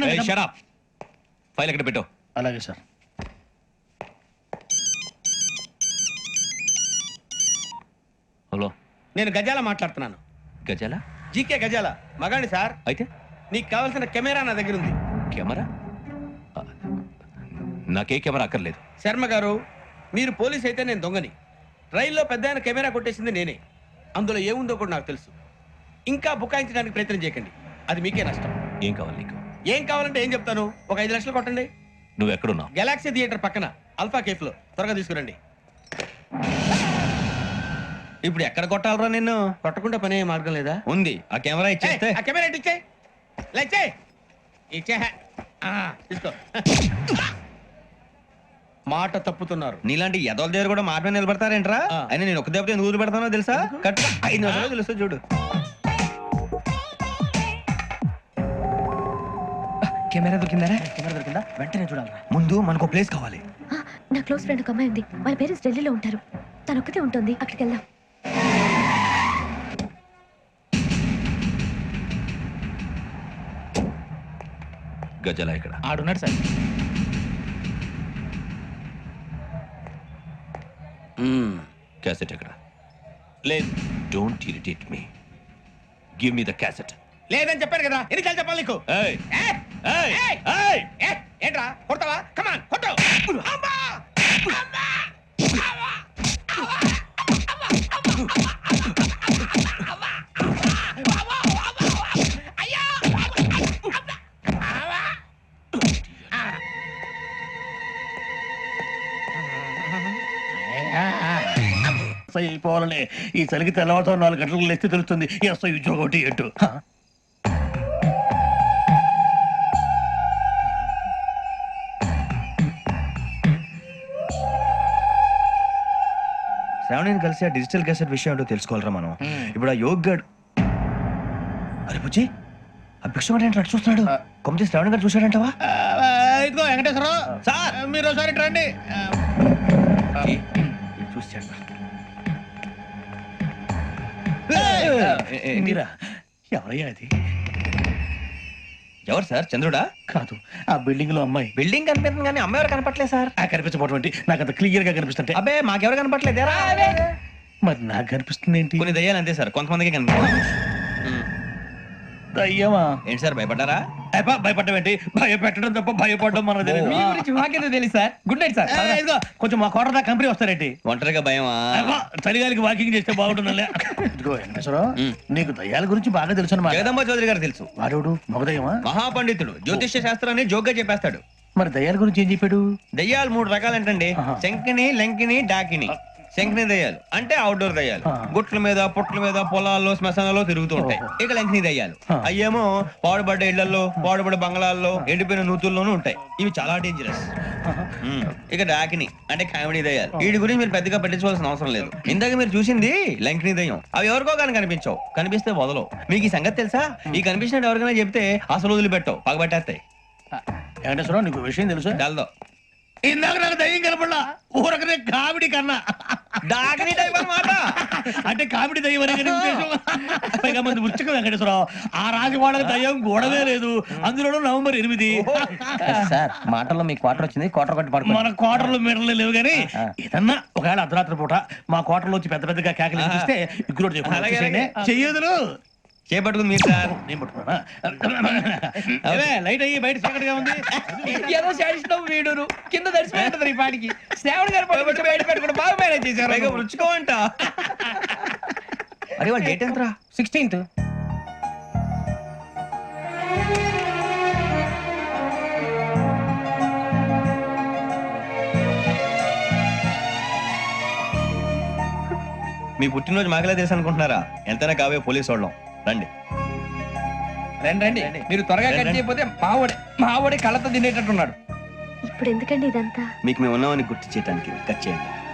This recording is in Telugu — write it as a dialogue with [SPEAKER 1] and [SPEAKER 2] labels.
[SPEAKER 1] ఫైల్ ఎక్కడ పెట్టు.
[SPEAKER 2] అలాగే సార్.
[SPEAKER 1] హలో,
[SPEAKER 3] నేను గజాల మాట్లాడుతున్నాను.
[SPEAKER 1] గజాల?
[SPEAKER 3] జీకే గజాల మగాండి సార్.
[SPEAKER 1] అయితే
[SPEAKER 3] నీకు కావాల్సిన కెమెరా నా దగ్గర ఉంది.
[SPEAKER 1] కెమెరా? నాకే కెమెరా అక్కర్లేదు.
[SPEAKER 3] శర్మ గారు, మీరు పోలీస్ అయితే నేను దొంగని. రైల్లో పెద్ద ఆయన కెమెరా కొట్టేసింది నేనే. అందులో ఏముందో కూడా నాకు తెలుసు. ఇంకా బుకాయించడానికి ప్రయత్నం చేయకండి, అది మీకే నష్టం.
[SPEAKER 1] ఏం కావాలి నీకు?
[SPEAKER 3] ఏం కావాలంటే ఏం చెప్తాను, ఒక 5 లక్షలు కొట్టండి.
[SPEAKER 1] నువ్వు ఎక్కడున్నావు?
[SPEAKER 3] గెలాక్సీ థియేటర్ పక్కన అల్ఫా కేఫ్ లో. త్వరగా తీసుకురండి.
[SPEAKER 4] ఇప్పుడు ఎక్కడ కొట్టాలరా నిన్ను?
[SPEAKER 3] కొట్టకుండా పనే మార్గం లేదా?
[SPEAKER 4] ఉంది, ఆ కెమెరా ఇచ్చేస్తే.
[SPEAKER 3] ఆ కెమెరా ఇచ్చే లేచే ఇచ్చే తీసుకో. మాట తప్పుతున్నారు.
[SPEAKER 4] నీలాంటి ఎదల దగ్గర కూడా మాట మీద నిలబడతారేంట్రా? అయినా నేను ఒక దెబ్బతో ఎందుకు పెడతానో తెలుసా? కరెక్ట్ 5 నిమిషాలు తెలుస్తా చూడు.
[SPEAKER 5] కెమెరా దొరికిందా?
[SPEAKER 2] వెంటనే చూడాలి.
[SPEAKER 4] ముందు మనకు ప్లేస్ కావాలి.
[SPEAKER 6] నా క్లోజ్ ఫ్రెండ్ ఒక అమ్మాయి ఉంది. వాళ్ళ పేరెంట్స్ ఢిల్లీలో ఉంటారు. తను ఒక్కతే ఉంటుంది. అక్కడికి వెళ్దాం.
[SPEAKER 1] గజాల ఇక్కడ
[SPEAKER 5] ఆడున్నాడు సార్.
[SPEAKER 1] క్యాసెట్ ఎక్కడ?
[SPEAKER 3] లేదు.
[SPEAKER 1] Don't irritate me. Give me the cassette.
[SPEAKER 3] లేదని చెప్పాను కదా, ఎన్నిసార్లు చెప్పాలి నీకు?
[SPEAKER 1] ఏయ్
[SPEAKER 3] ఏ?
[SPEAKER 1] ఏయ్
[SPEAKER 3] ఏయ్!
[SPEAKER 1] ఏయ్
[SPEAKER 3] ఏ? ఏంట్రా కొడతావా? కమాన్ కొట్టు. అమ్మా! అమ్మా! అమ్మా!
[SPEAKER 2] అయిపోవాలనే ఈ చలికి తెల్లవారుతో 4 గంటలకు లేస్తే తెలుస్తుంది ఎస్ఐ ఉద్యోగం ఒకటి ఎటు.
[SPEAKER 4] శ్రావణిని కలిసి ఆ డిజిటల్ క్యాసెట్ విషయం ఏంటో తెలుసుకోవాలరా మనం. ఇప్పుడు ఆ యోగ్ గడ్. అరే బుజ్జి, ఆ భిక్షం ఏంటి అటు చూస్తున్నాడు? కొమ్మతి శ్రావణి గారు చూశాడంటవా?
[SPEAKER 3] ఇదిగో వెంకటేశ్వరరావు సార్, మీరు ఒకసారి రండి.
[SPEAKER 4] చూశాడు.
[SPEAKER 2] మీరా? ఎవరయ్యా అది?
[SPEAKER 4] ఎవరు సార్? చంద్రుడా?
[SPEAKER 2] కాదు, ఆ బిల్డింగ్ లో అమ్మాయి.
[SPEAKER 4] బిల్డింగ్ కనిపిస్తుంది కానీ అమ్మ ఎవరు కనపట్లేదు సార్.
[SPEAKER 2] ఆ కనిపించబోటువంటి నాకు అంత క్లియర్ గా కనిపిస్తుంటే.
[SPEAKER 4] అబ్బే మాకెవరు కనపట్లేదు.
[SPEAKER 2] మరి నాకు కనిపిస్తుంది ఏంటి?
[SPEAKER 4] కొన్ని దయ్యాలు అంతే సార్, కొంతమందికి కనిపిస్తుంది.
[SPEAKER 2] దయ్యమా?
[SPEAKER 4] ఏంటి సార్ భయపడ్డారా?
[SPEAKER 2] భయపడడం ఏంటి? భయపెట్టడం తప్ప భయపడడం మనకు తెలియదు.
[SPEAKER 5] మీ గురించి మాకేదో తెలుసు సార్. Good night sir.
[SPEAKER 2] ఇదిగో కొంచెం మా కోట దాకా కంపెనీ వస్తారేంటి?
[SPEAKER 4] ఒంటరిగా భయమా?
[SPEAKER 2] చలిగాలికి వాకింగ్ చేస్తే బాగుంటుందిలే. ఇదిగో వెంకటేశ్వరరావు, నీకు దయ్యాల గురించి బాగా తెలుసు అన్నమాట.
[SPEAKER 4] జగదంబ చౌదరి గారు తెలుసు.
[SPEAKER 2] వాడోడు మగదయ్యమా?
[SPEAKER 4] మహాపండితుడు, జ్యోతిష్య శాస్త్రాన్ని జోగ్గా చెప్పేస్తాడు.
[SPEAKER 2] మరి దయ్యాల గురించి ఏం చెప్పాడు?
[SPEAKER 4] దయ్యాలు 3 రకాలంటండి. శంకిని, లంకిని, డాకిని. శంకిని దయ్యాలు అంటే అవుట్డోర్ దయ్యాలు. గుట్ల మీద, పుట్ల మీద, పొలాల్లో, శ్మశానాల్లో తిరుగుతూ ఉంటాయి. ఇక లంకిని దయ్యాలు అయ్యేమో పాడుబడ్డ ఇళ్లలో, పాడుబడ్డ బంగ్లాల్లో, ఎండిపోయిన నూతుల్లోనూ ఉంటాయి. ఇవి చాలా డేంజరస్. ఇక డాకిని అంటే కామెడీ దయ్యాలు. వీటి గురించి మీరు పెద్దగా పట్టించుకోవాల్సిన అవసరం లేదు. ఇందాక మీరు చూసింది లంకిని దయ్యం. అవి ఎవరికో కానీ కనిపించవు, కనిపిస్తే వదలవు. మీకు ఈ సంగతి తెలుసా? ఈ కనిపించినట్టు ఎవరికైనా చెప్తే అసలు వదిలిపెట్టవు, పగబట్టేస్తాయి.
[SPEAKER 2] వెంకటేశ్వరరావు, నీకు విషయం తెలుసు?
[SPEAKER 4] డల్దో
[SPEAKER 2] ఇందాక నాకు దయ్యం కనపడలా, ఊరకనే కామెడీ కన్నా.
[SPEAKER 4] డాకిని టైప్ అన్నమాట.
[SPEAKER 2] అంటే కామెడీ దయ్యం అనే ఉద్దేశం. పైగా మంది ఉచ్చక వెంకటేశ్వరరావు, ఆ రాజవాడకి దయ్యం గోడవే లేదు, అందులోనూ నవంబర్ 8.
[SPEAKER 5] సార్ మాటల్లో మీ క్వార్టర్ వచ్చింది. క్వార్టర్ కొట్టి పడుకో.
[SPEAKER 2] మన కోటర్లు మీటర్లు లేవు కానీ ఏదన్నా ఒకవేళ అర్ధరాత్రి పూట మా కోటర్లో వచ్చి పెద్ద పెద్దగా కేకలు ఇస్తే ఇగ్గురు చెయ్యదులు
[SPEAKER 4] చేపట్టుకుంది మీరు సార్.
[SPEAKER 2] నేను పట్టుకున్నా. లైట్ అయ్యి బయట చీకటిగా ఉంది.
[SPEAKER 5] ఏదో శాడిస్తాం వీడును కింద దర్శనం ఈ పాటికి. శ్రావణ్ గారు పట్టుకుంటే బయట పెట్టుకుంటే బాగా మేనేజ్ చేశారు.
[SPEAKER 4] పైగా రుచుకోవంట. అరే వాళ్ళ డేట్ ఎంతరా?
[SPEAKER 5] 16th.
[SPEAKER 4] మీ పుట్టినరోజు మాకలే తెలుసు అనుకుంటున్నారా? ఎంతైనా కావే పోలీసు వాళ్ళం. రండి
[SPEAKER 5] రండి రండి. మీరు త్వరగా కట్ చేయకపోతే మావడి కళ్ళతో తినేటట్టున్నాడు.
[SPEAKER 6] ఇప్పుడు ఎందుకండి ఇదంతా?
[SPEAKER 4] మీకు మేము ఉన్నామని గుర్తు చేయడానికి కట్ చేయండి.